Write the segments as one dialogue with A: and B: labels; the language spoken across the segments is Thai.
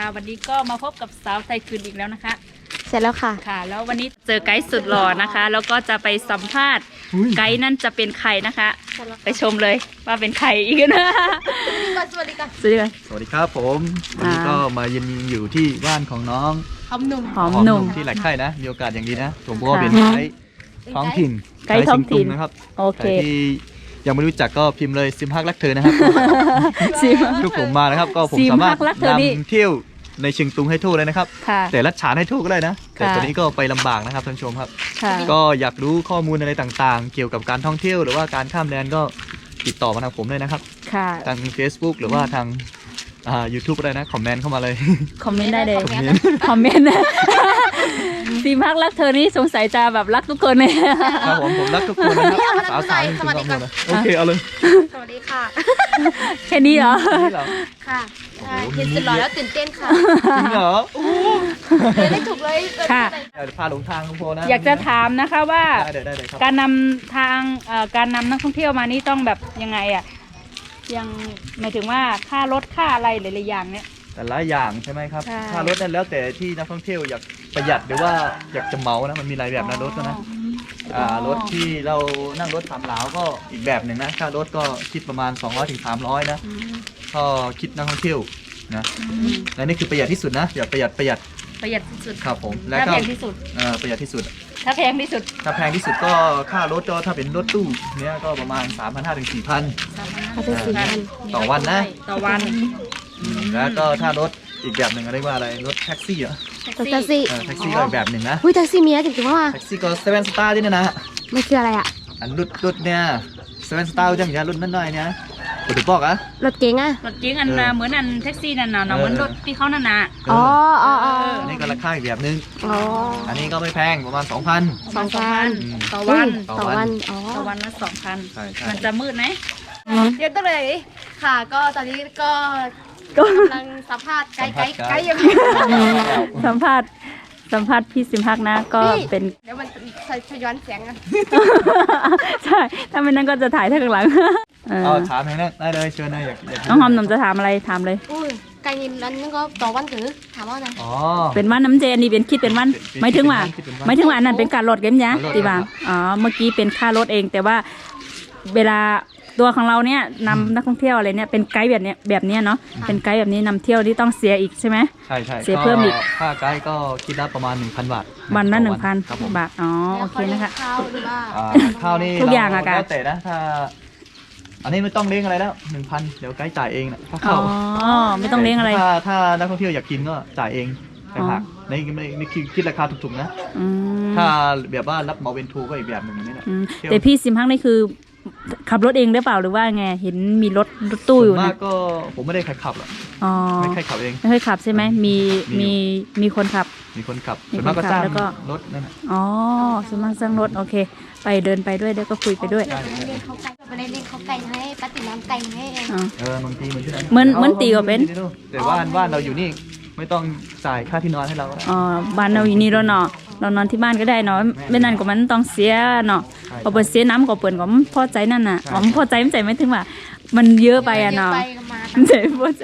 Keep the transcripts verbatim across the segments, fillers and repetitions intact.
A: วันนี้ก็มาพบกับสาวไทยคืนอีกแล้วนะคะ
B: เสร็จแล้วค่ะ
A: ค่ะแล้ววันนี้เจอไกด์สุดหล่อนะคะแล้วก็จะไปสัมภาษณ์ไกด์นั่นจะเป็นใครนะคะไปชมเลยว่าเป็นใครอีกนะ
B: สวัสดีค่ะ
A: สวัสดีค่ะ
C: สวัสดีครับผมวันนี้ก็มาเย็นอยู่ที่บ้านของน้อง
B: หอมหนุ่ม
A: หอมหนุ่ม
C: ที่หลักไข่นะมีโอกาสอย่างดีนะผมก็เป็นไกด์ท้องถิ่น
A: ไกด์ท้องถิ่น
C: นะครับ
A: โอเค
C: ที่ยังไม่รู้จักก็พิมพ์เลยซิมฮักรักเธอนะครับทุกผมมานะครับก็ผมสามารถนำเที่ยวในเชียงตุงให้ทั่วเลยนะครับแต่ลัดฉานให้ทั่วก็ได้นะแต่ตอนนี้ก็ไปลำบากนะครับท่านผู้ชมครับก็อยากรู้ข้อมูลอะไรต่างๆเกี่ยวกับการท่องเที่ยวหรือว่าการข้ามแดนก็ติดต่อมาทางผมเลยนะครับทาง Facebook หรือว่าทางอ่า YouTube อะไรนะคอมเมนต์เข้ามาเลย
A: คอมเมนต์ได้เลยคอมเมนต์ซีมักรักเธอนี่สงสัยจะแบบรักทุกคนเลย
C: ครับผมผมรักทุกคนนะครับสาวสาวสวัสดีค่ะโอเคเอาเลย
B: สวัสดีค่ะ
A: แค่นี้เหรอ
B: ค่ะเห็นสุดหล่อแล้วตื่นเต้นค่ะ
C: จริงเหรอ
B: เรียนได้ถูกเลย
A: ค่ะ
C: พาหลงทางคุณโพนะ
A: อยากจะถามนะคะว่าการนำทางการนำนักท่องเที่ยวมานี่ต้องแบบยังไงอ่ะยังหมายถึงว่าค่ารถค่าอะไรหลายๆอย่างเนี้ย
C: แต่ละอย่างใช่ไหมครับค่ารถนั่นแล้วแต่ที่นักท่องเที่ยวอยากประหยัดหรือว่าอยากจะเหมานะมันมีหลายแบบนะรถนะรถที่เรานั่งรถสามล้อก็อีกแบบหนึ่งนะค่ารถก็คิดประมาณสองร้อยถึงสามร้อยนะก็คิดนักท่องเที่ยวนะและนี่คือประหยัดที่สุดนะอย่าประหยัดประหยัด
A: ประหยัดที่สุด
C: ครับผม
A: และก็แพงที่สุด
C: ประหยัดที่สุด
A: ถ้าแพงที่สุด
C: ถ้าแพงที่สุดก็ค่ารถก็ถ้าเป็นรถตู้เนี้ยก็ประมาณ สามพันห้าร้อย ถึง สี่พัน ต่อวันนะ
A: ต่อวัน
C: แล้วก็ถ้ารถอีกแบบหนึ่งเรียกว่าอะไรรถแท็กซี่เหรอ
B: แท็กซี่
C: แท็กซี่ก็อีกแบบหนึ่งนะ
B: หุ้ยแท็กซี่มีนะจริงๆว่า
C: แท็กซี่ก็เซเว่นสตาร์ที่นี่นะ
B: มันคืออะไรอ่ะ
C: อันรถรถเนี่ยเซเว่นสตาร์จังอย่างรถนั่นหน่อยเนี่ยรถถูกบอกอะ
B: รถเก๋งอะ
A: รถเก๋งอันเหมือนอันแท็กซี่นั่นน่ะเหมือนรถที่เขานั่นน่ะ
B: อ๋ออ๋อ
C: อันนี้ก็ราคาอีกแบบนึงอ๋ออันนี้ก็ไม่แพงประมาณสองพัน
A: สองพันต่อวัน
B: ต่อวันอ๋อ
A: ต่อวันละสองพันมันจะมืดไหม
B: เดี๋ยวต้องเลยค่ะก็ตอนนี้ก็กำลังสัมภาษณ์ไกด์ไกด์ไกด์ยัง
A: สัมภาษณ์สัมภาษณ์พี่ซิมฮักนะก็เป็น
B: เดี๋ยวมันจะย้อนเสียงอ่ะ
A: ใช่ถ้าไม่นั้นก็จะถ่ายทางหลัง
C: เอาถามทางนั้นได้เลยเชิญนะอยาก
A: น้องหอมหนุ่มจะถามอะไรถามเลย
B: อุ้ยไก่ยินนั้นก็ต่อวันถือถามว่าไง
C: อ๋อ
A: เป็นวันน้ำเจนนี่เป็นคิดเป็นวันไม่ถึงว่าไม่ถึงว่านั่นเป็นการลดเกมยะตีบางอ๋อเมื่อกี้เป็นค่ารถเองแต่ว่าเวลาตัวของเราเนี่ยนำนักท่องเที่ยวอะไรเนี่ยเป็นไกด์แบบเนี้ยแบบเนี้ยเนาะเป็นไกด์แบบนี้นำเที่ยวที่ต้องเสียอีกใช่ไหม
C: ใช่ใช่
A: เสียเพิ่มอีก
C: ค่าไกด์ก็คิดละประมาณ หนึ่งพัน บาท
A: วันละหนึ่งพันบาทอ๋อโอเคนะคะ
B: ข้าวหรือว่า
C: ข้าวนี่
A: ทุกอย่างอะกัน
C: แล้วแต่นะถ้าอันนี้ไม่ต้องเลี้ยงอะไรแล้วหนึ่งพันเดี๋ยวไกด์จ่ายเองนะถ้า
A: เข้าอ๋อไม่ต้องเลี้ยงอะไร
C: ถ้าถ้านักท่องเที่ยวอยากกินก็จ่ายเองแต่หากในในคิดราคาถูกๆนะถ้าแบบว่ารับเหมาเป็นทูก็อีกแบบหนึ่งนี่แหละ
A: แต่พี่ซิมฮักนี่คือขับรถเองได้เปล่าหรือว่าไงเห็นมีรถรถตู้อยู่นะ
C: มากก็ผมไม่ได้ใครขับหรอกไม่ใครขับเอง
A: ไม่เคยขับใช่ไหมมีมีมีคนขับ
C: มีคนขับส่วนมากก็จ้างรถนั่นแหละ
A: อ๋อส่วนมากจ้างรถโอเคไปเดินไปด้วยแล้วก็คุยไปด้วย
B: ไปเล่นเขาไก่ให้ปฏิน้ำไก่ให้เอง
C: เออบางทีเหมือนที่ไหน
A: เหมือนเหมือนตีก็เป็น
C: แต่ว่าบ้านเราอยู่นี่ไม่ต้องจ่ายค่าที่นอนให้เรา
A: อ๋อบ้านเราอยู่นี่เราเนาะเรานอนที่บ้านก็ได้เนาะไม่นั่นก็มันต้องเสียเนาะพอเปิดเสียน้ำก็เปิดก็พอใจนั่นน่ะอ๋อพอใจไม่ใจไม่ถึงว่ามันเยอะไปอ่ะเนาะไม่ใจพอใจ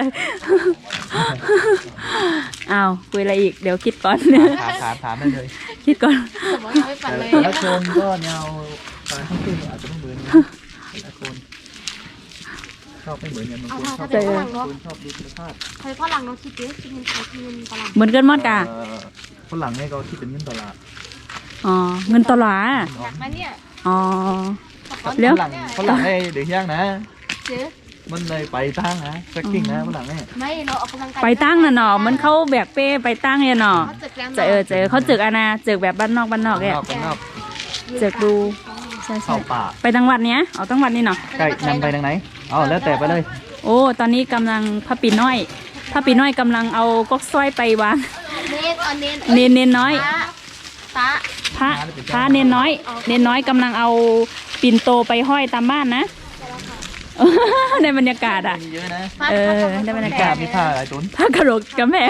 A: อ้าวคุยอะไรอีกเดี๋ยวคิดก่อน
C: ถามถามถามได้เลย
A: คิดก่อน
C: แล้วคนก็แนวการท่องเที่ยวอาจจะไม่เหมือนแต่คนชอบไม่เหมือนกันบางคนชอบชอบดูธรรมชาติ
B: ใครพ่อหลังเราคิดเยอะคิดเงินใครคิดเงินตลาด
A: เหมือนกันหมดกะ
C: ฝรั่งเนี่ยก็คิดเป็นเงินตลาด
A: อ๋อเงินตลาด
B: มาเนี่ย
A: อ๋อ
C: แล้วฝรั่งฝรั่งให้เด็กย่างนะ
B: เจ๊
C: มันเลยไปตั้งนะแทร็กกิ้งนะฝรั่งเนี่ย
B: ไม่เราออกกำลังกาย
A: ไปตั้งน่ะเนาะมันเขาแบกเป้ไปตั้งเนี่ยเนาะเจอเจอเขาเจออาณาเจอแบบบ้านนอกบ้านนอกเนี่ยเจอดูใช่ใช่ไปจังหวัดเนี้ยเอาจังหวัดนี้เนาะ
C: ใกล้นำไปทางไหนอ๋อแล้วแต่ไปเลย
A: โอ้ตอนนี้กำลังพระปีน้อยพระปีน้อยกำลังเอาก๊อกสร้อยไปวางเนนเนนน้อยพระพระพระเนนน้อยเนนน้อยกำลังเอาปิ่นโตไปห้อยตามบ้านนะในบรรยากาศอ่ะเออในบรรยากาศ
C: มีผ้าอะไรตุ้น
A: ผ้ากระโหลกกระแพง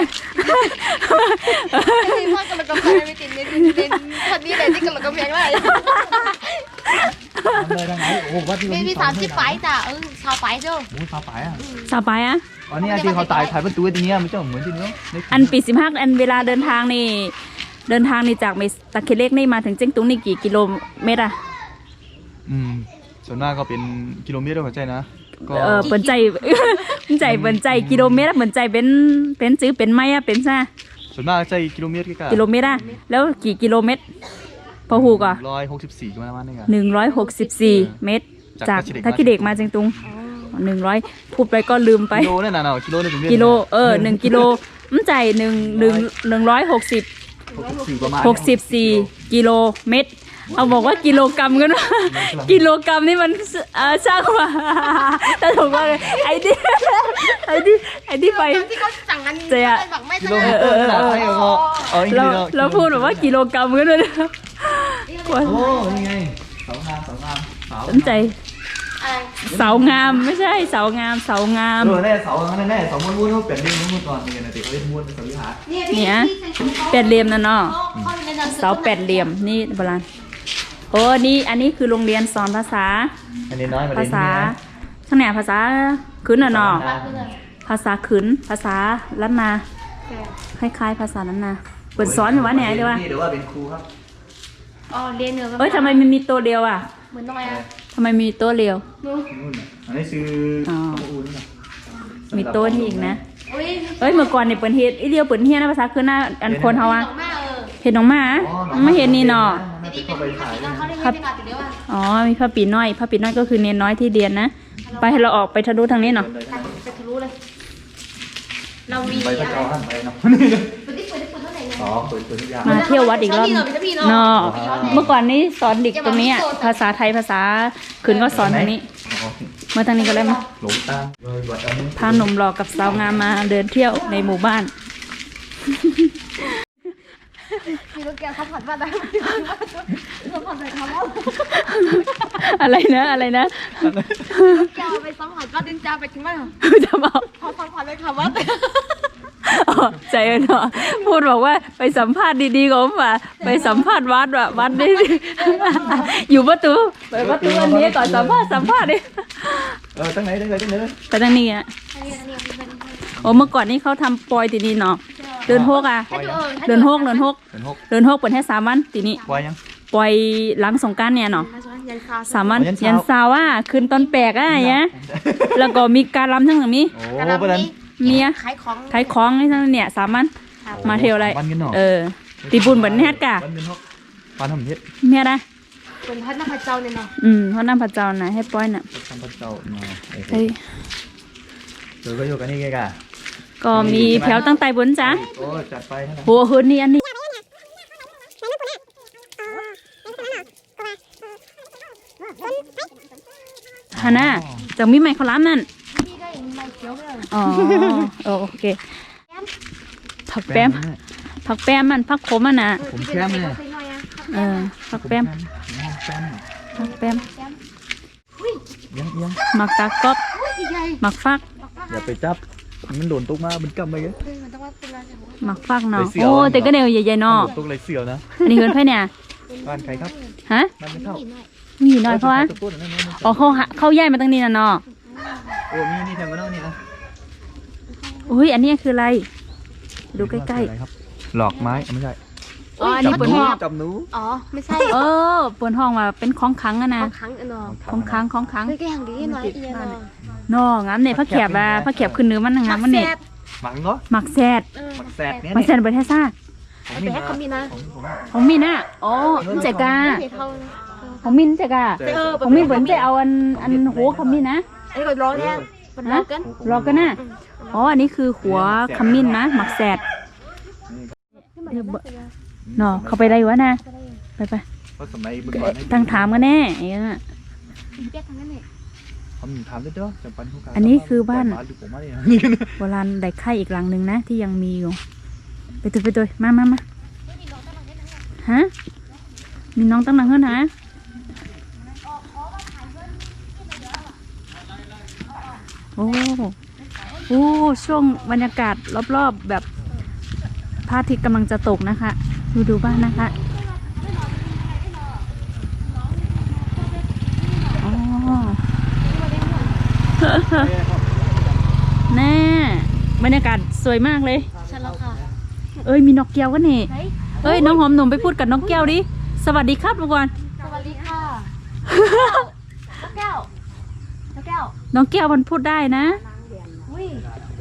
B: ไม่มีผ้ากระโหลกกระแพงไม่ติดไม่ติดเป็นคนนี้เลยที่กระโหลกกระแพงเลย
C: เลยทางไหนโอ้วัดที่
B: มีมีสามสิบไปจ้ะเออชาวไปเจ้า
C: โอ้ชาวไปอ่ะ
A: สาวไปอ่ะ
C: อ๋อนี่ที่เขาตายถ่ายประตูตรงนี้มันจะเหมือนที่นู้น
A: อันปีสิบห้าอันเวลาเดินทางนี่เดินทางนี่จากเมตะเคเล็กนี่มาถึงเจ้งตุงนี่กี่กิโลเมตรอะ
C: อืมส่วนมากก็เป็นกิโลเมตรหัวใจนะก็
A: เออเปิ่นใจ เปิ่นใจเปิ่นใจกิโลเมตรอะเปิ่นใจเป็นเป็นซื้อเป็นไม้อะเป็นซ่า
C: ส่วนมากใจกิโลเมตรกี่กะ
A: กิโลเมตรอะแล้วกี่กิโลเมตรพอหูก่อ
C: ร้อยหกสิบสี่กิโลเมตรนี่ไง
A: หนึ่งร้อยหกสิบสี่เมตร จากทักกิเด็กมาเจียงตุงหนึ่งร้อยพูดไปก็ลืมไป
C: กิโลนั่นน่ะเนาะกิโลนี่เป็นเมตร
A: กิโลเออหนึ่งกิโลมันใจหนึ่งหนึ่งหนึ่งร้อยหกสิบ
C: หกสิบสี่ประมาณ
A: หกสิบสี่กิโลเมตร เอาบอกว่ากิโลกรัมกันว่ากิโลกรัมนี่มันเออช่างว่า แต่ถูกว่าไอ้ดิไอ้ดิไอ้ดิไป
B: ที่เขาสั่งกัน
A: เจ๊อะ
B: แบบไม่
C: กิโลเมตรขนาดไหนก็เอาอีก
A: เรา
C: ทีเนาะ
A: เราพูดแบบว่ากิโลกรัมกันเลย
C: โอ้นี่ไงเสางามเสางามเสา
A: สนใจเสางามไม่ใช่เสางามเสางาม
C: เออแน่เสาแน่แน่เสาม้วนๆเขาเปลี่ยนเรื่องม้วนๆก่อนนี่ไงนะเด็กเขาเล่นม้วนเป็นเสาวิหาร
A: เนี่ยแปดเหลี่ยมนะเนาะเสาแปดเหลี่ยมนี่โบราณโอ้นี่อันนี้คือโรงเรียนสอนภาษา
C: อันนี้น้อยมา
A: ภา
C: เรียน
A: ษา
C: ที่นี่นะ
A: ข้างไหนภาษาขืนน่ะเนาะภาษาขืนภาษาล้านนาคล้ายๆ ภาษาล้านนาเปิดสอนอยู่วะเนี่ยเดี๋ยวว่า
C: เดี๋ยวว่าเป็นครูครับ
B: อ๋อเรียนเหนือ
A: เอ้ยทำไมมันมีตัวเดียวอ่ะ
B: เหมือนน้อยอ่ะ
A: ทำไมมีตัวเดียว
C: นู่นน่ะอันนี้คือ
A: อ๋อ
C: ครูนี่นะ
A: มีตัวนี่อีกนะ
B: อุ้ย
A: เอ้ยเมื่อก่อนเนี่ยเปิดเฮ็ดอีเดียวเปิดเฮียนะภาษาขืนน่ะอันคนเขาอ่ะ
B: ดอกแม่เออ
A: เห็นน้องหมาไม่เห็นนี่เนาะ
C: น่าจะเข้าไปถ่าย
B: ตอนเขาได้
A: ครั
B: เรีย
A: บ
B: นไปก่อนติดเดียวอ่ะ
A: อ๋อมีพระปีน้อยพระปีน้อยก็คือเนนน้อยที่เรียนนะไปให้เราออกไปทะลุทางนี้เนาะ
B: ไปทะลุเลย เรามี
C: ไป
B: อะ
C: พระ
B: ไร
C: เจ้าท่านไปเนาะ
B: เปิดที่เปิดที่เปิดเท่าไหร่เนี่ย
C: อ๋อเปิดเปิดทุกอย่าง
A: มาเที่ยววัดอีกรอบเนาะเมื่อก่อนนี้สอนเด็กตรงนี้อะภาษาไทยภาษาขืนก็สอนทางนี้
C: อ๋อ
A: เมื่อทางนี้ก็ได้มา
C: หลงตามเออวัดอันนี้
A: พาหนุ่มหล่อกับสาวงามมาเดินเที่ยวในหมู่บ้าน
B: มีรถแก้วเขาผัดว่าได้เขาผัดใส่คำว่า
A: อะไรนะอะไรนะ
B: แก้วไปสัมผัสว่าดินจาไปถึงว่า
A: จะบอก
B: เขาสัมผัสเลยคำว่า
A: อ๋อใจเนาะพูดบอกว่าไปสัมภาษณ์ดีๆของผมอ่ะไปสัมภาษณ์วัดว่ะวัดนี่ อยู่ประตูไปประตูอันนี้ก่อนสัมภาษณ์สัมภาษณ์ดิ
C: เออตั้งไหนตั้งไหนตั้งไหน
A: ไปทางนี้อ่ะโอ้เมื่อก่อนนี้เขาทำปอยตีนี้เนาะเดินโฮกอ่ะเดินโฮกเดินโฮก
C: เป็นหก
A: เดินโฮกเปิดให้สามวันตีนี้
C: ปล่อยยัง
A: ปล่อยหลังสงกรานต์เนี่ยเนาะ
B: ยันคา
A: สามวัน
C: ยันเช้า
A: ยันเสาร์อ่ะคืนตอนแปลกอ่ะอย่างเงี้ยแล้วก็มีการรำทั้งหลังนี้
C: โอ้ประเด็น
A: เมีย
B: ขายของ
A: ขายของนี่ทั้งเนี่ยสามวันมาเที่ยวอะไร
C: วันกันเนาะ
A: เออตีบุญเหมือนแฮดกะ
C: วันเป็นหกวันทำเฮ็ด
A: เมียได้
B: เป็นพัดน้ำพระเจ้าเนี่ยเนาะ
A: อืมเพราะน้ำพระเจ้านะให้ป้อยน่ะ
C: ทำพระเจ้ามาโอ้โห
A: เฮ้ย
C: เดี๋ยวก็อยู่กันนี่ไงกะ
A: ก็มีแถวตั้งแต่บนจ้ะ
C: โอ้จัดไปเท่าไหร่
A: หัวหืนนี่อันนี้ฮาน่าจังมีไมค์เขาล้ำนั่น
B: พี่ได้ไม่เขียวเลย
A: อ๋อเออโอเคผักแป้มผักแป้มมันผักขมอ่ะนะ
C: ผมแค้มเลย
A: เออผักแป้ม
C: แค้ม
A: ผักแป้ม
C: ยังยัง
A: หมักตากก๊อบหมักฟัก
C: อย่าไปจับมันโดนตุ๊กมามันกำไปกัน
B: มันต้องว่าเป็นอะไร
A: หมักฟักเนาะ
C: ไปเสี่ยว
A: โอ้แต่ก็เดียวใหญ่ๆเนาะ
C: ตุ๊กเลยเสียวนะ
A: อันนี้เฮือนไพ่เนี่ย
C: บ้านใครครับ
A: ฮะ
C: บ้านไม่เท่า
A: มีหน่อยเพราะว่า
C: ตุ๊กๆนั่นนั่นนั่น
A: อ๋อเขาหาเขาย้ายมาตั้งนี้น่ะเนาะ
C: โอ้มีนี่แทงกันแล้วนี่นะ
A: อุ้ยอันนี้คืออะไร ดูใกล้
C: หลอกไม้ไม่ใช่
A: ๆอ๋ออันนี้เปิดห้อง
C: จับหนู
B: อ๋อไม่ใช่
A: เออเปิดห้องมาเป็นของขังอะนะ
B: บางครั้งเนาะ
A: ของขังของขัง
B: เฮ้ยแกอย่างดีน้อยเอียเนาะ
A: นองามเนี่ยพระแขบอะพระแขบขึ้นเนื้อมันงามมันเนี่ย
C: หมังเหรอ
A: หมักแซด
C: หมักแสดเนี่ย
A: หมักแซดเปิดแท้ซ่า
B: ไอ้แบ๊กเขามีนะ
A: ของมินอะอ๋อมันใจกา
B: เท่า
A: ของมินใจกาของมินเปิดใจเอาอันอันหัวขมิ้นนะ
B: ไอ้ก็ร้องแน่มันร้
A: นะ
B: องกัน
A: รอกันนะอ๋ออันนี้คือหัวขมิ้นนะหมักแซดเนาะเขาไปได้วะนะไปไป
C: เพราะสมัยเมื่อก่อน
A: ตั้งถามกันแน่ไอ้เงี้ย
B: แบ๊กทางนั้นเนี่ย
C: ทำถามได้ด้วยจำปันทุกการ
A: อันนี้คือบ้าน
C: อยู่ผมมาเนี่ยนี่กัน
A: โบราณได้ไข่อีกหลังหนึ่งนะที่ยังมีอยู่ไปตัวไปตัวมามามาฮะมีน้องตั้งหลังเฮือนฮะโอ้โอ้ช่วงบรรยากาศรอบๆแบบพระอาทิตย์กำลังจะตกนะคะดูดูบ้านนะคะแน่บรรยากาศสวยมากเลย
B: ใช่แล้วค่ะ
A: เอ้ยมีนกแก้วกันนี่
B: ไหน
A: เอ้ยน้องหอมหนุ่มไปพูดกับนกแก้วดิสวัสดีครับทุกคน
B: สวัสดีค่ะนกแก้ว นกแก้ว
A: น้องแก้วมันพูดได้นะ
B: อุ้ย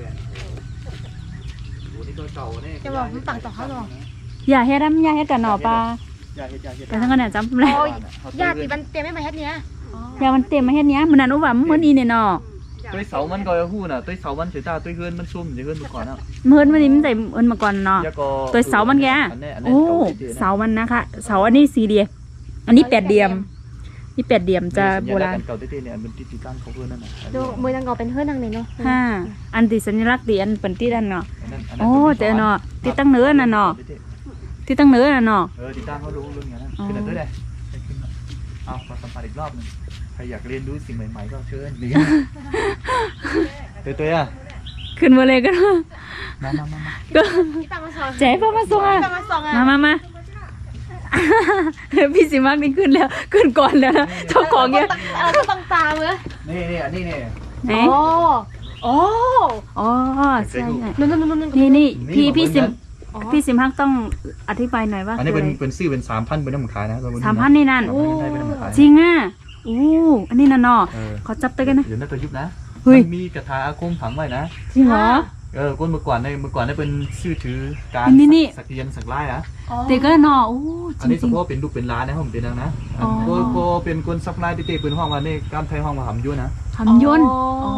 B: จะบอกมันปังต่อเขาหรอ
A: อย่าเฮ็ดน้ำอย่าเฮ็ดกันหน่อปลาไปทั้งกันเนี่ยจำเลย
B: โอ้ยญาติมันเตรียมไม่มาเฮ็ดเนี้ย
A: อย่ามันเต็มมาเฮ็ดเนี้ยมันนั่นอุบะมันเหมือนอีเนี่ยเนาะ
C: ตัวเสามันก็หู้น่ะตัวเสามันเสียตาตัวเฮือนมันซุ่มจะเฮือนมาก่อนอ่ะ
A: เมินมันนี่มันใส่เอินมาก่อนเนาะ
C: แล้วก็
A: ตัวเสามันแกโอ้เสามันนะคะเสาอันนี้สี่เหลี่ยมอันนี้แปดเหลี่ยมนี่แปดเหลี่ยมจะโบราณ
C: เก่าเต้ๆเนี่ยมันติดตั้งเขาเพื่อนนั่นน่ะ
B: ดูมือนางเงาเป็นเพื่อนนางเลยเนาะ
A: ห้าอันติสัญลักษณ์ดีอันเป็นที่ดันเนาะโอ้เจอเนาะที่ตั้งเนื้อน่ะเนาะที่ตั้งเนื้อน่ะเนาะ
C: เออติดตั้งเขารู้เรื่องอย่างนั้นขึ้นหน่อยด้วยเลยเอามาสัมผัสอีกรอบนึงใครอยากเรียนรู้สิ่งใหม่ๆก็เชิญดีตัวตัวอ่ะ
A: ขึ้นมาเลยก็ได้
C: มามามามา
A: ก็
B: พี่ตังมาสอน
A: เจ๊พ่อมาส่งอ่ะ
B: พี่ตังมาสอนอ่ะ
A: มามามาพี่สิมากนี่ขึ้นแล้วขึ้นก่อนแล้วนะเจ้าของเนี่ย
B: เออก็ต้องตามเลย
C: นี่นี่อันนี้นี่
A: ไหน
B: โอ้โอ้
A: อ๋อใช่ใช่
B: นู่นนู่นนู่น
A: นี่นี่พี่พี่สิมพี่สิมฮักต้องอธิบายหน่อยว่า
C: อันนี้เป็นเป็นซื้อเป็นสามพันเป็นน้ำมันขายนะ
A: สามพันนี่นั่น
C: โอ้เป็นน้ำมันขาย
A: จริงอ่ะอู้อันนี้น่ะเนาะขอจับตัวกันนะ
C: เดี๋ยวน่าจะยุบนะ
A: เฮ้ย
C: มันมีกระทาอาคมฝังไว้นะ
A: จริงเหรอ
C: เออก้นเมื่อก่อนในเมื่อก่อนได้เป็นชื่อถือการ
A: นี่นี่
C: สักเรียนสักไล่นะ
A: เด็กก็เนาะอู้จ
C: อันนี้
A: ริ
C: เฉ
A: ง
C: พาะเป็นลูกเป็นร้านนะผมเป็นดังนะ
A: อ๋อ
C: โกโกเป็นคนซัพพลายเต้ๆเป็นห้องว่านี่กล้ามไทยห้องว่าหำยุ่นนะ
A: ๆทำยนต์อ๋อก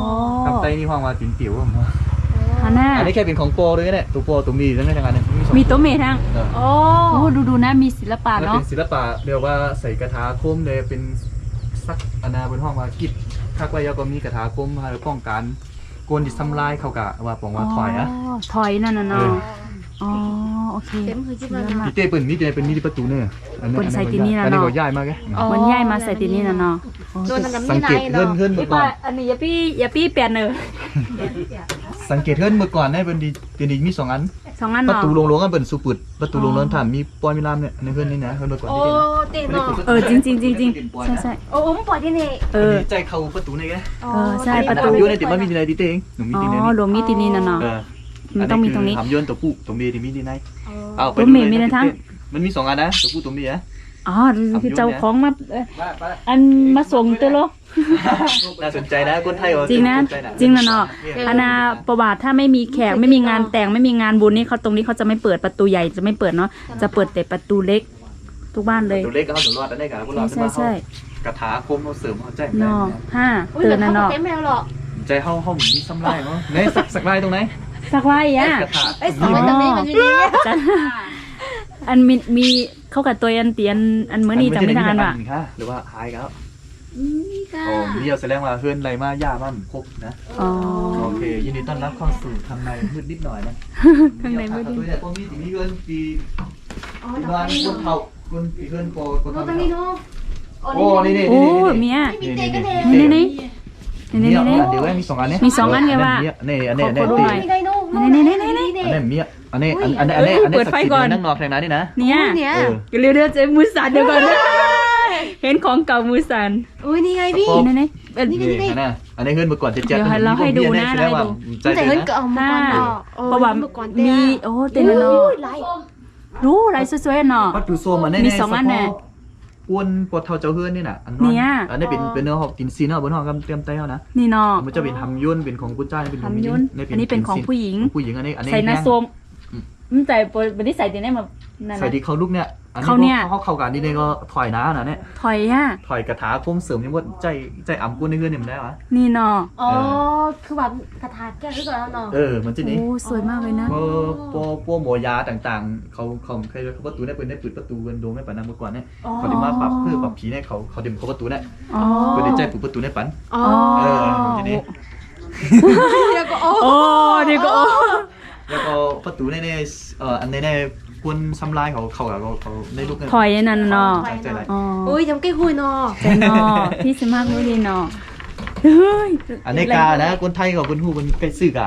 C: ล้ามไตนี่ห้องว่าติ๋มติ๋วผม
A: ฮันน่า
C: อันนี้แค่เป็นของโปรด้วยเนี่ยตัวโปรตัวมีทั้งนั้นทั้งนั้นเนี่ยสอง
A: มีโต๊ะเมทั้ง
C: เออ
B: โอ้
A: โอ้ดูดูนะมีศิลปะ
C: แล้ว
A: เนาะ
C: เป็นศิลปะเรียกว่าใส่กระทาคมเลยเป็นซักอนาบนห้องว่ากิดคักไว้แล้วก็มีกระทาคมให้ป้องกันโกนดิทำลายเขากะว่าปองว่าถอยอะ
A: ถอยนั่นน่ะเนาะอ๋อโอเค
B: เต็มคือจิ้มแล้ว
C: พี่เต้เปิ่นมีเต้เป็นมีที่ประตูเนี่ยอันนี้
A: เปิ่นใส่ที่นี่นะ
C: อันนี้
A: เนาะ
C: ก็ย้ายมากแก
A: มันย้ายมาใส่ตีนี่น่ะเนาะ
B: โดนน้ำ
C: สั
B: นี่
C: ง
B: ไง
C: เกตเฮิรน
B: เนาะ
C: เฮิรนเมื่อก่อน
A: อันนี้อย่าพี่อย่าพี่เปลี่ยนเนอะ
C: สังเกตเฮิรนเมื่อก่อนเนี่ยเป็นดีเป็นดีมีสองอัน
A: สองอัน
C: ประ
A: เนาะ
C: ตูลงลงกันเป็นสุปุดประตูลงลงถามมีปอยมีลามเนี่ยในเฮิรนนี่นะเฮิรนเมื่อก่อน
B: โอ้
C: ที่เต้นะ
B: เต็มเนาะ
A: เออจริงจริงจริงจริงใช่ใช่
B: โอ้ผมปล่อยที่นี่
A: เออ
C: ใจเข้าประตูนี่ไง
A: เออใช่ประตู
C: ทำยุ่นในติดมันมีที่ไหนที่เต้เองหนุ่มมี
A: อ๋
C: ที่ไหน
A: อ
C: นี่
A: รวมมีตีนี่น่ะเนาะ
C: เออ
A: มันต้องมีตรงนี้
C: ทำยุ่นตัวผู้ตัวเมียที่มีที่ไหนเอาไป
A: ตัวเมียมีในทั้ง
C: มันมีสองอันนะตัวผู้ตัวเมีย
A: อ๋อคือเจ้าของมาเอ่ออันมาส่งเตอโล
C: น่าสนใจนะคนไทย
A: จริงนะจริงนะเนาะอนาประวัติถ้าไม่มีแขกไม่มีงานแต่งไม่มีงานบุญนี่เขาตรงนี้เขาจะไม่เปิดประตูใหญ่จะไม่เปิดเนาะจะเปิดแต่ประตูเล็กทุกบ้านเลย
C: ตัวเล็กก็เขาถึงรอดได้กันพวกเรา
A: ใช่ใช่
C: กระถาคมเขาเสริมเขาใจ
A: เนาะห้า
B: อุ้ย
A: เตือ
B: แต่
A: นนะ
B: เขา
A: เนาะ
B: เต็มแมวหรอ
C: ใจเขาเขามีซ้ำลายเนาะเนี่ยสักสักลายตรงไหน
A: สักไว้อ่ะ
C: กระถา
B: เอ้ยสองไว้ตรงนี้มันอยู่นี่
A: จันอันมีมีเข้ากับตัวอันเตียนอันเมื่อนี้จำไม่ได้ว่ะ
C: ค่ะหรือว่าหายแล้ว
B: นี่ค่ะ
C: โอ้เดียวแสดงว่าเพื่อนไรมาย่ามันครบนะ
A: อ๋อ
C: โอเคยินดีต้อนรับเข้าสู่ทางในมืดนิดหน่อยนะ
A: ข้างในมืดนิด
C: ตัวเนี่ยพวกนี้มีเพื่อนปีบ้านคนเฒ่าคนปีเพื่อนโปคน
B: โอ้
C: เฒ่า
B: ตรงนี้เนาะ
C: โอ้นี่นี่
A: โอ้
C: นี่
A: เมีย
B: มีเตะกันเอง
A: นี่นี่นี่นี่
C: นี่
A: นี่
C: นี่
A: นี่
C: เดี๋ยวมีสองอันเนี่ย
A: มีสองอันไงวะ
C: นี่อันนี้อันนี้
A: ขอดู
C: ตี
A: หน่อย
B: มีไดโน่
A: นี่นี่นี่นี่นี่
C: อันนี้เมียอันนี้อันนี้อันนี้อันนี้สักดิ์นั่งนอกแทงนั้นนี่นะ
A: เนี่ย
B: เนี่ย
C: เออ
A: เร็วเร็วๆเจมือสั่นเดี๋ยวก่อนนะเห็นของเก่ามือสั่น
B: อุ้ยนี่ไงพี่
A: นี่นี่เอ็ด
C: นี่นะอันนี้เพื่อนเมื่อก่อนเจ็ดเจ็ด
A: เดี๋ยวให้เราให้ดูนะ
C: แสดงว่าใจ
B: แต่
C: ดี
B: เฮิร์น
C: นะ
B: ก็เอามาก่อนเนาะ
A: เพราะว่ามีโอ้เต็มเลยเนาะ
B: ไล่
A: รู้อะไรสวยๆเนาะ
C: วัตถุโซมอันนี้
A: มีสองอันแน่
C: อ้วนปวดเท้าเจ้าเฮือนนี่น่ะอัน
A: เนี่ย
C: อันนี้เป็นเป็นเนื้อหอกกินซีนเอาบนห้องกำเตรียมเต้านะ
A: นี่เนาะ
C: มันจะเป็นทำยุ่นเป็นของกุญแจเป็นของ
A: ทำยุ่นอันนี้เป็นของผู้หญิง
C: ผู้หญิงอันนี้อันนี้
A: ใส่นา
C: แห้ง
A: โซมมันใส่วันนี้ใส่ตีได้มานั่น
C: ใส่
A: นะ
C: ที่เขาลูกเนี่ยอัน
A: เขาเนี่
C: นี้
A: ย
C: เขาเข้ากันนี่เนี่ยก็ถอยนะนะเนี่ย
A: ถอยอ่ะ
C: ถอยกระถาคมเสริมยังว่าใจใจอ่ำกุ้นในเฮือนเนี่ยมันได้หรอ
A: นี่เนาะ
B: อ๋อคือแบบกระถาแก้วที่ก่อนแล้วเนาะ
C: เออมันจะนี้
A: โอ้สวยมากเลยนะ
C: พวกพวกพวกหมอยาต่างๆ เขาเขาใครเขาประตูได้เป็นได้ปิดประตูกันโดนไม่ปันนะเมื่อก่อนเนี่ยเขาได้มาปรับเพื่อปรับผีเนี่ยเขาเขาเดิมเขาประตูเนี่ย
A: อ๋อ
C: เพื่อได้ใจปิดประตูได้ปัน
B: อ๋อ
C: เออทีนี้
B: เดี๋ยวก็โอ้
A: โอ้เดี๋ยวก็โอ้
C: แล้วก็ประตูในในเอ่ออันในในควรทำลายเขาเขาเขาเขาในลูกเนี่ย
A: ถอยนั่นเนาะ
C: ใจไร
A: อ๋อ
B: อุ้ยจำใกล้คุยเนาะ
A: ใจเนาะพี่สมัครรู้ดีเนาะเฮ้ย
C: อันนี้กานะคนไทยกับคนฮู้คนใกล้ซื้อกะ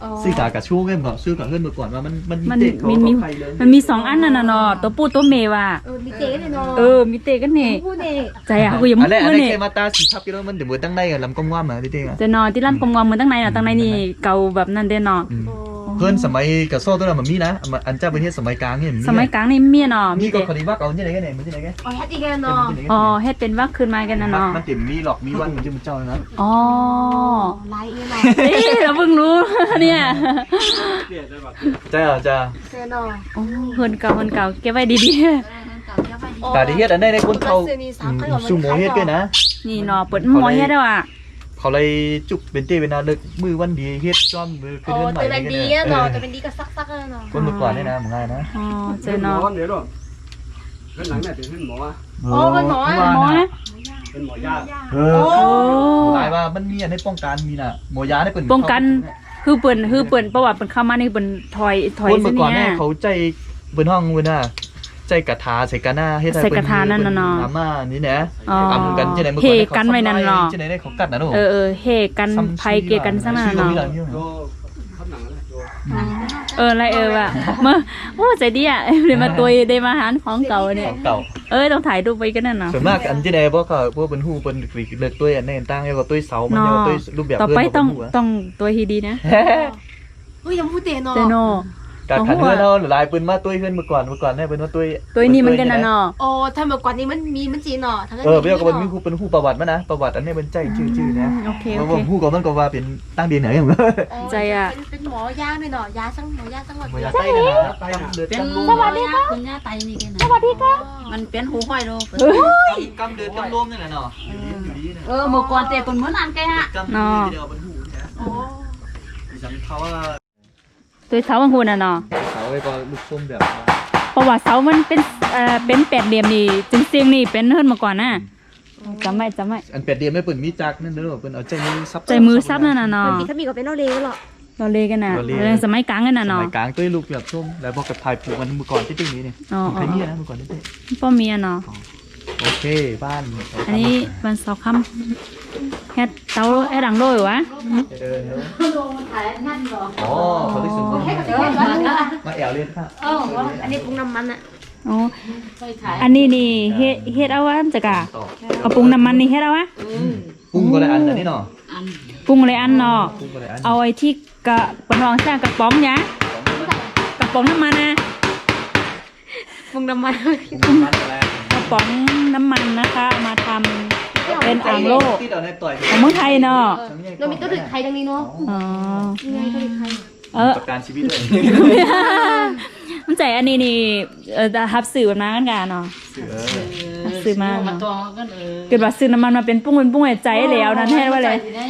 C: ซื้อกากระชู้กันก่อนซื้อกับเพื่อนเมื่อก่อนว่ามันมัน
A: มัน
C: เด็กเขา
A: มีมี
C: ใครเลย
A: มันมีสองอันน่ะนะเนาะตัวปูตัวเมว่ะ
B: เออมีเจ๊เลยเนาะ
A: เออมีเตกันนี่
B: พูดเอง
A: ใจอ่ะกูยัง
C: อั
A: มุ
C: น
A: ก
C: แรกอัน
A: เลย
C: แรก
A: นี่
C: แค่มาตาสีทับกิโลมันเดี๋ยวมือตั้งในกับลำกงว่ามาดิเด้ง
A: จะนอนที่ร้านกงวงมันตั้งในเนาะตั้งในนี่เก่าแบบนั้นเด้เนาะ
C: เพื่อนสมัยกับโซ่ตัวนั้นมันมีนะอันเจ้าประเทศสมัยกลางเนี่ย
A: สมัยกลางนี่เมียเนาะ
C: มี
A: มี
C: ก็
A: แต่
C: คดีว่าเอาเนี่ยไหนกันไหนมันที่ไหนกัน
B: อ๋อแฮตตี้กันเนาะ
A: อ๋อเฮ็ดเป็นว่าคืนมากันนะเนาะ
C: มันติ่มมีหลอกมีวันมันจะมันเจ้านะ
A: อ๋อ
B: ไลน์เองเนาะ
A: เอ้ยเราเพิ่งรู้เนี่ย
C: จ้าจ้า
B: เจ๊เนาะ
A: โอ้เฮินเก่าเฮินเก่าเก็บไว้ดี
C: แต่ที่เฮ็ดอันได้ในคนเขาซูโม่เฮ็ดด้วยนะ
A: ๆนี่เนาะเปิดหมอเฮ็ดแล้วอ่ะ
C: เขาเลยจุกเป็นเต้เป็นนาเลิกมือวันดีเฮ็ดจ้อมมือขึ้น
B: โอ้
C: เรื่องใหม่
B: แต่เป็นดีอะเนาะแต่เป็นดีก็ซักๆเลยเนาะ
C: คนเมื่อก่อนเนี่ยนะมึงง่ายนะ
A: อ๋อเจอเนาะ
D: เดี๋ยวหรอเพื่อนหลังเนี่ยเป็นเพื่อนหมออ่ะ
B: โอ้เป็นหมอ
A: หมอนะ
D: เป็นหมอยา
C: เอ
A: โอ้
C: อหลายว่ามันมีอันให้ป้องกันมีน่ะหมอยาได้เป็น
A: ป้องกันคือเปิ่นคือเปิ่นประวัติเปิ่นเข้ามานี่เปิ่นถอยถอย
C: คน
A: ซะ
C: เมื่อก่อน
A: เนี่
C: เนี่ย ยเขาใจเบิ่นห้องเบิ่นน่ะใจกระทาใส่กันหน้าเฮ็ดให้
A: ใส่กระทานั่นน่ะเนาะ
C: น้ำมานี่นะ
A: อ๋อ
C: ทำกันจังได๋เมื่อ
A: เฮ
C: ก่อน
A: กันไว้นั่นเนาะ
C: จังได๋ได้เขากัดน่ะเนาะ
A: เออเออเฮกันภัยเกยกันซะนั่นน่ะเนาะ
D: โยข้างหลังนั่นแหละโย
A: เอออะไรเออว่ะเมื่อโอ้ใจดีอ่ะเดี๋ยวมาตัวได้มาหารของเก่าเนี่ย
C: ของเก่า
A: เออต้องถ่ายรูปไว้กันนั่นเนาะ
C: ส่วนมากอันที่ใดพวกเขาพวกเป็นหูเป็นเลือกตัวอันนี้ตั้งแล้วก็ตัวเสามัน
A: เนาะ
C: แล้วก็ตัวรูปแบบ
A: ต่อไปต้อง
C: เรื่
A: ต้องตัวฮีดีนะ
B: เฮ้ยยังพูดเตะเนาะ
A: เจโน
C: การขันเพื่อนเราหลายปืนมาตัวเพื่อนเมื่อก่อนเมื่อก่อนเนี่ยเป็นว่าตัว
A: ตัวนี้มันกันนะเนาะ
B: โอ้ถ้าเมื่อก่อนนี้มันมีมันจีเนาะทั้งนั้น
C: เออเบี้ยก็เป็นมีผู้เป็นผู้ประวัติมานะประวัติอันนี้เป็นใจชื่อชื่อนะ
A: โอเค
C: เพ
A: โอ
C: ราะ
A: เค
C: ว่าผู้ก็มันก็ว่าเป็นตั้งเดียนไหนอย่างเงี้ย
A: ใจอะ
B: เป็นหมอยาด้วยเนาะยาสังหมอยาสังหมด
C: มายาใต้นะใต้เดือด
E: เป็น
C: กำลม
E: สวัสดีค่ะคุณย่าไตนี่กันนะสวัสดีค่ะมันเป็นหูห้อยโล
C: กำเดือดกำลมนี่แหละเนาะ
E: เออเมื่อก่อนเตะเป็นเหมือนอันแกฮะ
C: กำเดือดเดียวเป็นหูนะ
B: โอ้
C: ดิฉันเขาว่า
A: ตัวเสาบางคนน่ะเนาะ
C: เขาไปก็ลูกส้มแบบ
A: เพราะว่าเสามันเป็นเอ่อเป็นแปดเหลี่ยมนี่จึงเสียงนี่เป็นเฮิรนมาก่อนนะจำไว้จำไว้
C: อันเป็ดเดียมไม่เปิดมีจักนั่นเด้อเปิดเอาใจมือซับ
A: ใจมือซับนั่นน่ะเนาะ
B: มันมีถ้ามีก็เป็นเราเลวหรอ
A: เราเลกันน่ะ
C: เราเล
A: เรื่องสมัยกลางกันน่ะ
C: ส
A: เนาะ
C: มัยกลางตัวลูกแบบส้มแล้วพอกับถ่ายผูกมันเมื่อก่อนที่ตึ้งนี้เนี่ย
A: อ๋อ
C: ใครมีนะเมื่อก่อนที่ตึ้ง
A: ป้อมีอ่ะเนาะ
C: โอเคบ้าน
A: อันนี้มันเสาค้ำเฮ็ดเตาไอ้ดังโลอยู่วะ
C: เดินเนอะอ๋อเขาได้สูงมาแอวเล่นค่ะ
B: เอออันนี้ปรุงน้ำมันอะ
A: อ๋ออันนี้นี่เฮ็ดเฮ็ดเอาวะจักะกระปุงน้ำมันนี่เฮ็ดเอาวะ
C: ปรุงก็ได้อันอันนี้เนาะ
A: ปรุงเลยอันเนาะ
C: ปรุงก็ได้อัน
A: เอาไอ้ที่กระปนรองแท้กระป๋องยะกระป๋องน้ำมันนะ
B: ปรุงน้ำมัน
C: ปรุงมันอะไร
A: กระป๋องน้ำมันนะคะเอามาทำเป็นอ่างโล
C: ที่เราได้ต่อย
A: ของเมืองไทยเนาะ
B: เรามีตัวถึกไทยดังนี้เนาะ
A: อ๋อ
B: นี่ไงตัวถึกไทย
A: เออ
C: ประกันชีวิตเลย
A: มันใจอันนี้นี่เออทับสื่อแบบนั้นกันเนาะ ซื้อมา
E: มาตัวกันเออ
A: เกิดว่าซื้อน้ำมันมาเป็นปุ้งเป็นปุ้งใจแล้วนั้นแท้ว่าเลย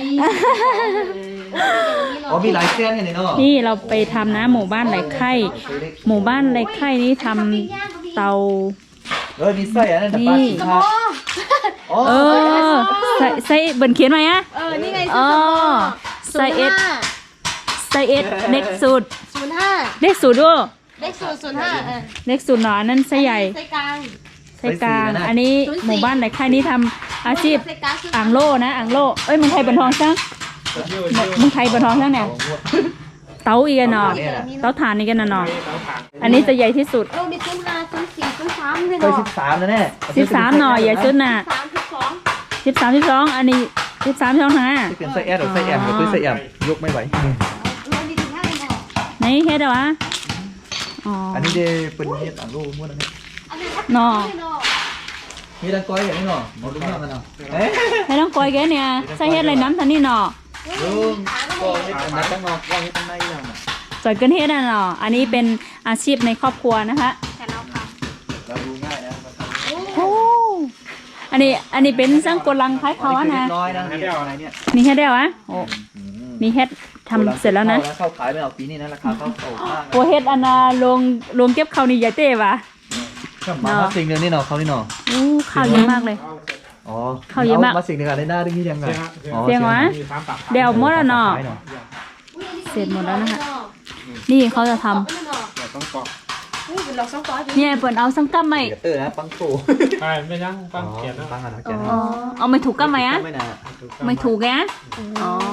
C: อ๋อมีหลายเส้นอย่างนี้เนาะ
A: นี่เราไปทำนะหมู่บ้านไรไข่หมู่บ้านไรไข่นี่ทำเตา
C: เออมีไส้อันนั้นแต่ปลาสีทาอ๋อ
A: เออใส่ใส่เบิ่นเขียนไว้อะ
B: เออนี่ไง
A: อ๋อใส่เอสใส่เอสเล็กสุด
B: ศูนย์ห้า
A: เล็กสุดด้วย
B: เลขศูนย์ศูนย์ห้าเออ
A: เล็กสุดเนาะอันนั้นไส้ใหญ่
B: ไส้กลาง
A: ไส้กลาง อันนี้หมู่บ้านไรไข่นี่ทำอาชีพ
B: ไส้กลางคือ
A: อ่างโล่นะอ่างโล่เอ้ยเมึงไทยบนทองซังเมึงไทยบนทองซังเนี่ยเตาอีกอะเนาะเตาถ่านอีกอะเนาะอันนี้จะใหญ่ที่สุด
B: เออมีศูนย์ห้าศูนย์สี่ศูนย์สามเลย
C: เคย
B: เนาะ
C: สิบสามแล้วแน่
A: สิบสามหน่อยใหญ่สุดน่ะ
B: สามสิบสอง
A: สิบสามสิบสองอันนี้สิบสามสิบสองห้า
C: ที่เป็นไส้แอดหรือไส้แอมกับตัวไส้แอมยกไม่ไหว
B: เรามีถึงห้าเลยเนาะ
A: ไหนเฮ็ดเอาวะอ๋อ
C: อันนี้เดเป็นเฮ็ดอ่างลูกม้วนอันนี้
B: อันนี้ทับ
A: เนาะ
B: เลยเนาะ
C: มีดังก้อยอย่างนี้เนาะมาดูหน้ามันเนาะเอ๊ะ
A: ให้ต้องกอยแกเนี่ยใส่เฮ็ดอะไรน้ำทันนี่เนาะ
C: ลุงก็เฮ็ดอันนั้นตั้งนอกก้อยตั้งในแล้วน่ะ
A: จอยเกินเฮ็ดอ่ะเนาะอันนี้เป็นอาชีพในครอบครัวนะคะ
B: แต่เราค่ะ
C: เราดูง่ายนะ
A: โอ้อันนี้อันนี้เป็นสังกลังคล้ายเขาอะนะ
C: น้อยนะเฮ็ดอะไรเนี่ย
A: มีเฮ็ดได้วะโอ้มีเฮ็ดทำเสร็จแล้วนะ
C: เข้าขายไม่เอาปีนี้นะราคาเข้าโตมาก
A: โอ้เฮ็ดอันน่ะลงลงเก็บข้าวนี่ใหญ่เต้วะ
C: มามาสิ่งหนึ่งนี่เนาะเขานี่เนาะ
A: อู้ข้าวเยอะมากเลย
C: อ๋อ
A: เขาเยอะมาก
C: มาสิ่งหนึ่งอะไรหน้าดึงที่ยังไงอ๋อ
A: เสียงวะเดี๋ยวหมดแล้วเนาะ
C: ขายเนาะ
A: เสร็จหมดแล้วนะคะนี่เขาจะทำ
D: ต้องกรอก
B: อุ้ยเป็นเราสองก้อน
A: เนี่ยเปิดเอาสังกัมไหม
C: เดี๋ยวเตอร์นะปังโต
D: ใช่ไม่ยังปั้งเขียนนะ
C: ปังอะไรเขียน
A: อ๋อเอาไม่ถูกกัมไหมอะ
C: ไม่นะ
A: ไม่ถูกแกอ๋อ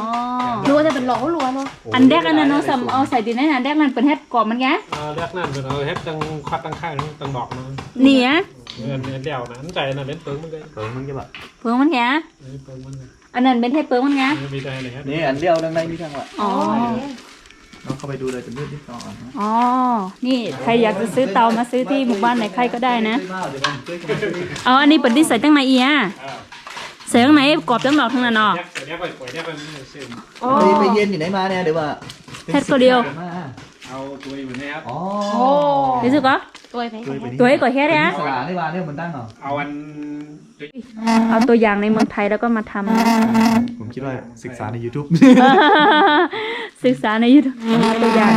B: รัวแต่เป็นหลอกรัวเนาะ
A: อันแรกอันนั้นเนาะสำเอาใส่ดินในอันแรกมันเป็นเฮ็ดกรอบมันไง
D: เออเรียกนั่นเป็นเอาเฮ็ดตั้งคัดตั้งค่ายตั้งดอกนะ
A: นี่อ่ะ
D: เงินเงินเดี่ยวนะอันใจนะเป็นเปิงมันเลย
C: เปิงมึงจะแบบ
A: เพิ่งมันไง
D: เปิงมันเลย
A: อันนั้นเป็นเฮ็ดเพิ่งมันไง
D: มีใจเลยครับ
C: นี่อันเลี้ยวดังในนี่ทางว่ะ
A: อ๋อ
C: น้องเข้าไปดูเลยจะมืดนิดหน่อยนะ
A: อ๋อนี่ใครอยากจะซื้อเตามาซื้อที่หมู่บ้านไหนใครก็ได้นะ
C: เดี๋ยวผมช่วยกัน
A: เอาอันนี้เป็นที่ใส่ตั้งในอีอ่ะใส่ข้างในกรอบจังดอกทั้งนั้นเนาะ
D: เนี่ยเดี๋ยวไปปล่อยเนี่ยไปซื้อ
C: ไปไปเย็นอยู่ไหนมาเนี่ยเดี๋ยวว่า
A: เฮ็ดตัวเดียว
D: เอาตัวอยู่ในครับ
C: อ๋อ
A: รู้สึกก็
B: ตัวไหน
A: ตัวให้ก่อยเฮ็ดเนี่ย
C: สลาได้มาเนี่ยมันตั้งเหรอ
D: เอาอัน
A: เอาตัวอย่างในเมืองไทยแล้วก็มาทำนะ
C: ผมคิดว่าศึกษาใน YouTube
A: ศึกษาใน YouTube เอาตัวอย่าง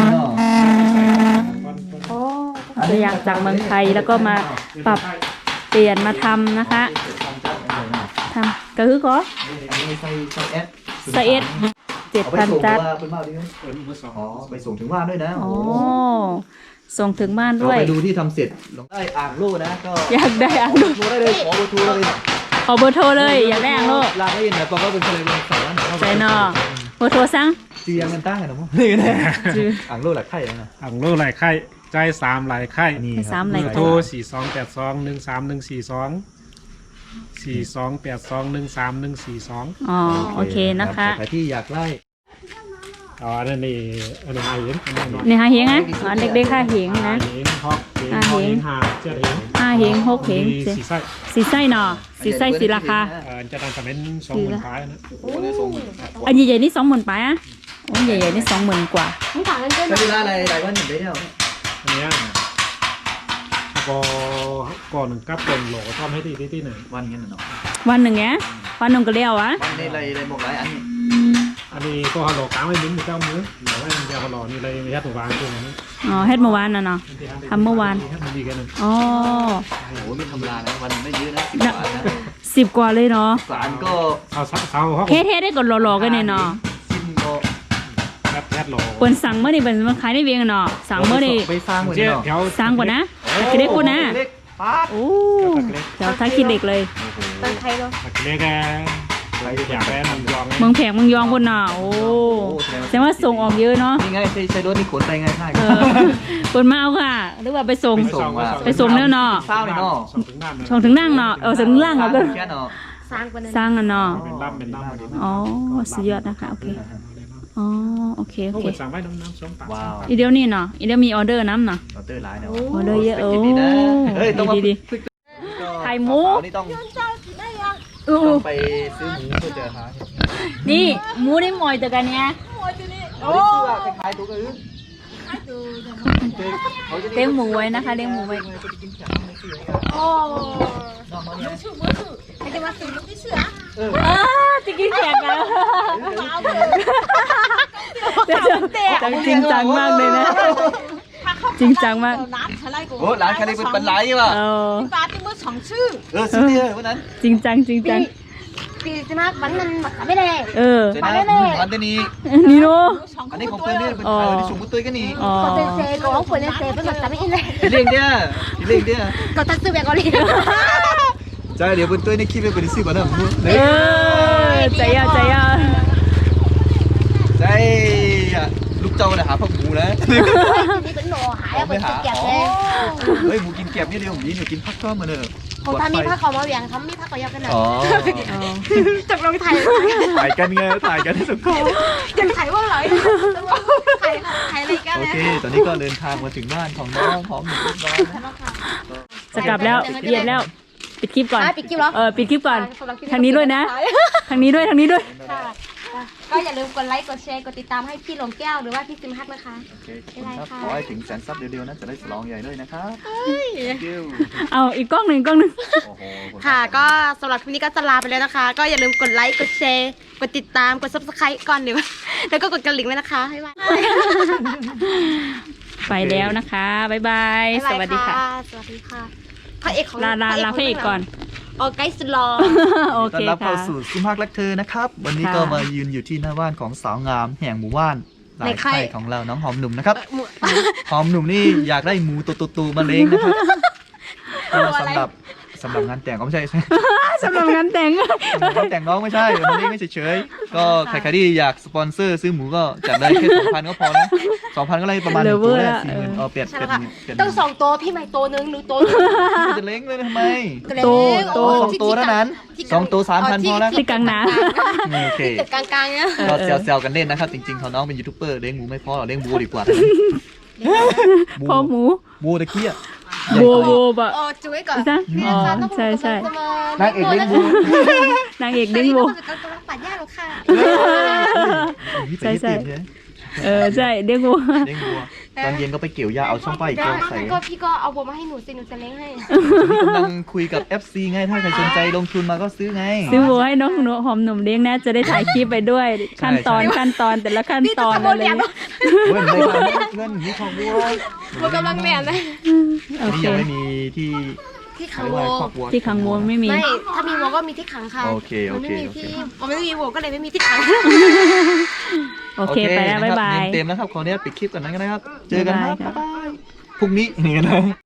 A: ตัวอย่างจากเมืองไทยแล้วก็มาปรับเปลี่ยนมาทำนะคะทำก็คือก็
C: ใส่ใส่แอด
A: ใส่เอ็ดเจ็ด
C: เอาไป
A: พัน
C: ส่ง
A: จัด
C: ว่าเป็นบ้าดีไหม
D: เปิดมือสอง
C: อ๋อไปส่งถึงบ้านด้วยนะ
A: อ๋อส่งถึงบ้าน
C: เรา
A: ด้วย
C: ไปดูที่ทำเสร็จลงได้อ่างโล่นะก็
A: อยากได้อ่างโล
C: โทรได้เลยขอเบอร์โทรเลย
A: ขอเบอร์โทรเลยอยากได้อ่างโล
C: ลาไม่ยินแต่ปอก็เป็นคนเลยสอน
A: ใจนอเบอร์โทรสั่ง
C: จียังกันตั้งกันนะมั้งนี่แน่
A: จือ
C: อ่างโล่หลักไข่นะ
D: อ่างโลหลายไข่ใจสามหลายไข่
C: นี่
A: ให้สามหลาย
D: โทรสี่สองแปดสองหนึ่งสามหนึ่งสี่สองสี่สองแปดสองหนึ่งสามหนึ่งสี่สอง
A: อ๋อโอเคนะคะ
C: ใครที่อยากไล่
D: อ๋ออันนี้นี่อันนี้หาเห็นอันนี้นอน
A: นี่ฮะเฮงอ่ะอ๋อเด็กๆค่ะเฮง
D: หา
A: นะ
D: เห็นฮอกเห็นฮอกเห็นหาเจ็ดเห็น
A: ห้าเฮงหกเฮง
D: มี
A: เจ็ด
D: สี่ไส้
A: สีไส้หนอสีไส้สีราคา
D: เอ่อจะทำคอมเมนต์สองหมื่นท้ายนะ
C: โอ้โหเลยส่ง
A: อันใหญ่ๆนี่สองหมื่นไปอ่ะโอ้ใหญ่ๆนี่สองหมื่นกว่า
B: มึงถามกันเจ้าห
C: ใช้
B: น่อ
C: เวย ลาอะไรหลายวันอยู่ได้เดียว
D: อันเนี้ยก็ก่อนหนึ่งกับเป็นโหลทำให้ดีที่ที่ไหน
C: วันกันเนาะ
A: วันหนึ่งเนี้ยวันหนึ่งก็เลี้ยวอ่ะ
C: วันนี้อะไรอะไรบอกหลายอันนี่
D: อันนี้ก็ฮัลโหลกลางไม่มิ้นเจ้ามือเดี๋ยวให้มันจะฮัลโหลนี่เลยไม่ยัดตัววางตัวนี้
A: อ๋อเฮ็ดเมื่อวานน่ะเนาะ ทำเมื่อวาน
D: มันดีกันหนึ่ง
A: อ๋อ
C: โอ้โหไม่ธรรมดานะวันไม่เยอะนะสิบบาทนะ
A: สิบกว่าเลยเนาะ
C: สารก็
D: เอาเสาเขา
A: เฮ็ดเฮ็ดได้ก่อนรอๆกันเนี่ยเนาะ
C: ซิมก็
D: แคบแคบโหล
A: เปิ้นสั่งเมื่อนี่เปิ้นมาขายได้เวียงเนาะสั่งเมื่อนี่
C: ไปสร้างเหมือน
D: เจ๊
C: เนาะ
D: แถว
A: สั่งกว่านะคิดได้กูนะ
C: เล็กป๊าด
A: โอ้เดี๋ยวถ้าคิดเล็กเลย
B: ตั้งใครเนาะ
D: เล็กแกอยากได้มันยอง
A: เมืองแพงเมืองยองพุ่นน่ะโอ้แสดงว่าส่งออกเยอะเนาะ
C: นี่ไงใช้ใช้รถนี่ขนไปไงง่าย
A: เออเปิ้นมาเอาค่ะหรือว่าไปส่ง ไปส่งแล้วเนาะ
C: เศร้าเลยเนาะ
D: ส่งถึงบ้าน
A: ชงถึงนั่งเนาะเออถึงล่างเนาะก็
C: แค่เนาะ
B: สร้างกว่านั้น
A: สร้างอ่ะเนาะ
D: เป็นล่ำเป็นล่ำ
A: อ๋อสุดยอดนะคะโอเคอ๋อโอเคโอ
D: พวก
A: เค
D: เป็นสั่งไว้น้ำน้ำส้มปาก
C: ว้าว
A: อีเดียวนี่เนาะอีเดียวมีออเดอร์น้ำเนาะ
C: ออเดอร์ไลน์เนาะ
A: ออเดอร์เยอะโอ้
C: ดีนะเฮ้ยต้องมา
A: ดีๆ
C: ฝึก
A: ไข่หมู
C: นี่ต้อง
A: อู้
C: ต้องไปซื้อหมูเพื่อเจอหา
A: นี่หมูนี่หมอยตัวกันเนี่ย
C: โอ้คล้ายๆตัวกัน
A: เลี้ยงหมูไว้นะคะเลี้ยงหมูไว้
B: โอ้
A: อ้าจะกินแขกแล้วจังจริงจังมากเลยนะ จริงจังมาก
C: โอ้ร้านแค่นี้เป็นปันไหลว่ะ
A: เออ
C: เออซื้อเดียววันนั้น
A: จริงจังจริงจัง
B: ปีจะมากวันนั้นมาไม่ได้
A: เออ
C: เจนะวันนี้
A: นี่โน
C: อันนี้ของเพื่อนนี่เป็นขายที่สูงกุ้ยตุ้ยกันนี่
A: อ๋อ
B: ก็เป็นเซก็ของคนเซเป็นแบบไม่อินเลย
C: เลี้ยงเดียเลี้ยงเดีย
B: ก็ตัดซื้อแบบเกาหลี
C: ใช่เดี๋ยวเป็นตุ้ยในคลิปเป็นซื้อมาแล้ว
A: เออใจยาใจยา
C: ใช่ลูกเจ้าเนี่ยหาผักหมูนะ
B: นี่เป็นหน่อหายเป็นเก็บเลย
C: เฮ้ยหมูกินเก็บนี่เดียวผมนี่หนูกินผักก็มาเนอะ
B: ของทำมีผ้าขาวมาเวียงทำมีผ้าขาวกันหน่อย
C: อ๋อ
B: จับลงไทย
C: ถ่ายกันไงถ่ายกันให้สุดคอ
B: ยังไทยว่าไรไทยไทยอะไรกัน
C: โอเคตอนนี้ก็เดินทางมาถึงบ้านของน้องพร้อมหนึ่งเรียบร้อยนะ
A: จะกลับแล้วเย็นแล้ว ปิดคลิปก่อน
B: ปิดคลิปแล้ว
A: เออปิดคลิปก่อน ทางนี้ด้วยนะ ทางนี้ด้วยทางนี้ด้วย
B: ก็อย่าลืมกดไลค์กดแชร์กดติดตามให้พี่หลงแก้วหรือว่าพี่ซิมฮักนะคะ
C: โอเคครับขอให้ถึงแสนซับเดียวๆนะจะได้ฉลองใหญ่ด้วยนะครับ
A: เอาอีกกล้องหนึ่งกล้องหนึ่ง
C: โอ้โห
B: ค่ะก็สำหรับคลิปนี้ก็จะลาไปแล้วนะคะ ก็อย่าลืมกดไลค์กดแชร์กดติดตามกด ซับสไครบ์ ก่อนเดี๋ยวแล้วก็กดกระดิ่งไว้นะคะบ๊ายบาย
A: ไปแล้วนะคะ บ๊ายบาย สวัสดีค่ะ
B: สวัสดีค่ะพระเอกของ
A: ลาลาลาพระเอกก่อน
B: โอไกสลอ
A: โอ
C: ต้อ
A: เคน
C: รับ
A: ค่ะ
C: เข้าสู่ซิมฮักรักเธอนะครับ วันนี้
A: ค่ะ
C: ก็มายืนอยู่ที่หน้าบ้านของสาวงามแห่งหมู่บ้านหลายไข่ของเราน้องหอมหนุ่มนะครับ หอมหนุ่มนี่อยากได้หมูตัวๆๆมาเลี้ยงนะครับก็สำหรับสำหรับงานแต่งก็ไม่ใช่ใช่
A: สำหรับงานแต่ง
C: แต่งน้องไม่ใช่มันนี่ไม่เฉยๆก็ใครๆที่อยากสปอนเซอร์ซื้อหมูก็จัดได้แค่สองพันก็พอนะสองพันก็เลยประมาณหนึ่งตัวได้สี่หมื่นเออเปลี่ยน
B: ใช่
C: เปลี่
B: แล้
C: ยน
B: วค่ะ
C: เปลี่ยน
B: ต้องสองตัวพี่ใหม่ตัวนึงหนูตัวนึง
C: จะเล้งเลยทำไม
A: โตโต
C: สองตัวเท่านั้นสองตัวสามพันพอแล้ว
A: ที่กลางน้
C: โอเค
B: ตึกกลางๆเนี่ย
C: ก็แซวๆกันเล่นนะครับจริงๆเขาน้องเป็นยูทูบเบอร์เลี้ยงหมูไม่พอหรอกเลี้ยงวัวดีกว่า
A: ำพ่อหมู
C: วัวตะเคียน
A: โบโบบะ
B: โอ้จุ้ยก่อน
A: จ้ะอ๋อใช่ใช่
C: นางเอกเลี้ยงวัวน
A: างเอกเลี้ยงโบ
B: กำลังปัดหญ้าหรอค่ะ
A: ใช่ใช่ เออใช่เลี้ยงโบ
C: เลี้ยงวัวตอนเย็นก็ไปเกี่ยวหญ้าเอาช่องป้ายอีกตัวใส่
B: ก็พี่ก็เอาบัวมาให้หนูสิหนูจะเลี้ยงให้
C: กำลังคุยกับ เอฟ ซี ไงถ้าใครสนใจลงทุนมาก็ซื้อไง
A: ซื้อโบให้น้องหนูหอมหนุ่มเลี้ยงนะจะได้ถ่ายคลิปไปด้วย ขั้นตอนขั้นตอนแต่ละขั้นตอนอะไรอย่างเงี้ย
C: เงินไม่ทำเงินมีของวัว
B: บัวกำลังแม่นะ
A: โอ
C: นี่
A: เค
C: ยังไม่มีที่
B: ที่ขั
C: เขา
B: ง
C: เรียก
B: วั
C: ว่าว ครอบวัว
A: ที่ขังโบไม่มี
B: ไม่ถ้ามีวัวก็มีที่ขังค่ะ
C: โอเคโอ
B: มัน
C: เค
B: ไม่มี
C: โอเค
B: ที่มันไม่มีวัวก็เลยไม่มีที่ขัง
A: โอเคไปแล้วบ๊ายบาย
C: เต็มแล้วครับขออนุญาตปิดคลิปก่อนนั้นนะครับ เจอกันครับ
A: บ๊ายบายครับ
C: บ๊ายบายพรุ่งนี้นี่นะ